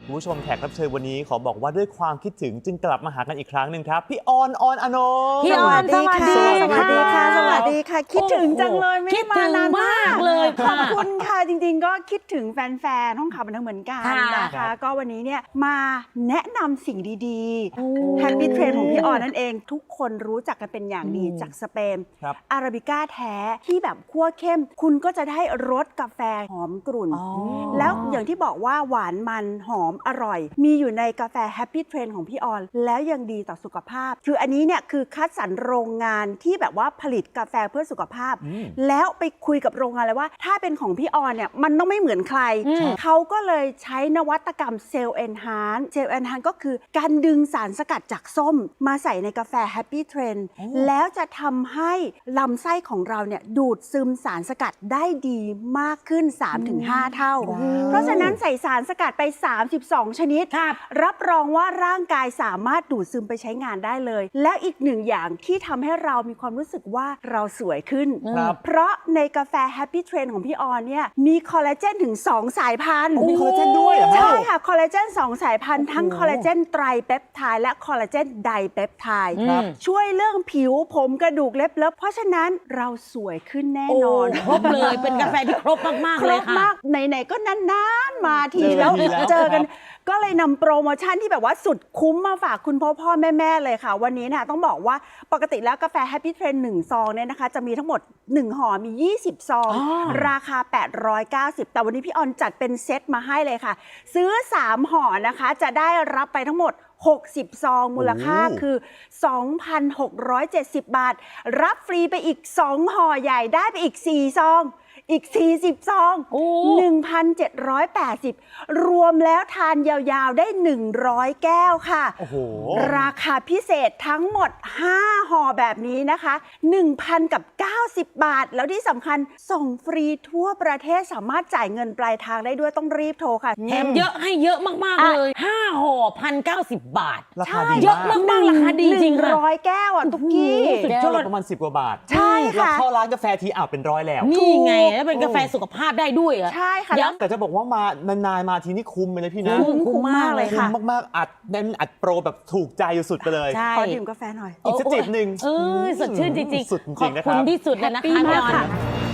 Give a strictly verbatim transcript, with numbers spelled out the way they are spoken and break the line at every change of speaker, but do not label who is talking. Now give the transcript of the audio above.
คุณผู้ชมแขกรับเชิญวันนี้ขอบอกว่าด้วยความคิดถึงจึงกลับมาหากันอีกครั้งหนึ่งครับพี่ออนออนอนง
พี่ออนสวัสดี
สวัสดีค่ะสวัสดีค่ะคิดถึงจังเลยไม่ได้มานานมาก
เลย
ขอบคุณค่ะจริงๆก็คิดถึงแฟนๆห้องข่าวบันเทิงเหมือนกันนะคะก็วันนี้เนี่ยมาแนะนำสิ่งดีๆ Happy Train ของพี่ออนนั่นเองทุกคนรู้จักกันเป็นอย่างดีจากสเปนอาราบิก้าแท้ที่แบบคั่วเข้มคุณก็จะได้รสกาแฟหอมกรุ่นแล้วอย่างที่บอกว่าหวานมันหอมอร่อยมีอยู่ในกาแฟ Happy Train ของพี่ออนแล้วยังดีต่อสุขภาพคืออันนี้เนี่ยคือคัดสรรโรงงานที่แบบว่าผลิตกาแฟเพื่อสุขภาพแล้วไปคุยกับโรงงานเลยว่าถ้าเป็นของพี่ออนเนี่ยมันต้องไม่เหมือนใครเขาก็เลยใช้นวัตกรรมเซลล์เอนฮานเซลล์เอนฮานก็คือการดึงสารสกัดจากส้มมาใส่ในกาแฟ Happy Train แล้วจะทำให้ลำไส้ของเราเนี่ยดูดซึมสารสกัดได้ดีมากขึ้น สามถึงห้า เท่าเพราะฉะนั้นใส่สารสกัดไปสามสิบสองชนิดรับรองว่าร่างกายสามารถดูดซึมไปใช้งานได้เลยและอีกหนึ่งอย่างที่ทำให้เรามีความรู้สึกว่าเราสวยขึ้นเพราะในกาแฟ Happy Train ของพี่ออนเนี่ยมีคอลลาเจนถึงสองสายพันธุ์
มีคอลลาเจนด้วยเหรอ
ใช่ค่ะคอลลาเจนสองสายพันธุ์ทั้งคอลลาเจนไตรเปปไทด์และคอลลาเจนไดเปปไทด์ช่วยเรื่องผิวผมกระดูกเล็บเล็บเพราะฉะนั้นเราสวยขึ้นแน่นอน
ครบเลยเป็นกาแฟที่ครบมากๆเลยค่ะ
ครบมากไหนๆก็นานๆมาทีแล้วเจอกันก็เลยนำโปรโมชั่นที่แบบว่าสุดคุ้มมาฝากคุณพ่อพ่อแม่แม่เลยค่ะวันนี้นะต้องบอกว่าปกติแล้วกาแฟ Happy Train หนึ่งซองเนี่ยนะคะจะมีทั้งหมดหนึ่งห่อมียี่สิบซองราคาแปดร้อยเก้าสิบแต่วันนี้พี่ออนจัดเป็นเซตมาให้เลยค่ะซื้อสามห่อนะคะจะได้รับไปทั้งหมดหกสิบซองมูลค่าคือ สองพันหกร้อยเจ็ดสิบ บาทรับฟรีไปอีกสองห่อใหญ่ได้ไปอีกสี่ซองอีกสี่สิบซอง หนึ่งพันเจ็ดร้อยแปดสิบ รวมแล้วทานยาวๆได้หนึ่งร้อยแก้วค่ะโอ้โหราคาพิเศษทั้งหมดห้าห่อแบบนี้นะคะ หนึ่งพันเก้าสิบ บาทแล้วที่สำคัญส่งฟรีทั่วประเทศสามารถจ่ายเงินปลายทางได้ด้วยต้องรีบโทรค่ะ
แถมเยอะให้เยอะมากๆเลยห้าห่อ หนึ่งพันเก้าสิบ บาท
ราคาดี
เยอะมากๆราคาดีจริง
ๆหนึ่งร้อยแก้วอ่ะตุ๊กกี้
แก้วละประมาณสิบกว่าบาท
ใช่ค่ะ
เข้าร้านกาแฟทีอ่ะเป็นร้อยแล้ว
นี่ไงแล้วเป็นกาแฟสุขภาพได้ด้วยอ่ะ
ใช่ค่ะ
แต่จะบอกว่ามานานๆมาทีนี่คุ้มเลยพี่นะ
คุ้มมากเลยค่ะ
คุ้มมากๆอัดแน่นอัดโปรแบบถูกใจสุดไปเลย
ขอดื่มกาแฟหน่อย
อีกสักจิบหนึ่ง
เออสดชื่นจริงๆ
สุดจริงๆนะครับ
ขอบคุณที่สุดเลยนะคะ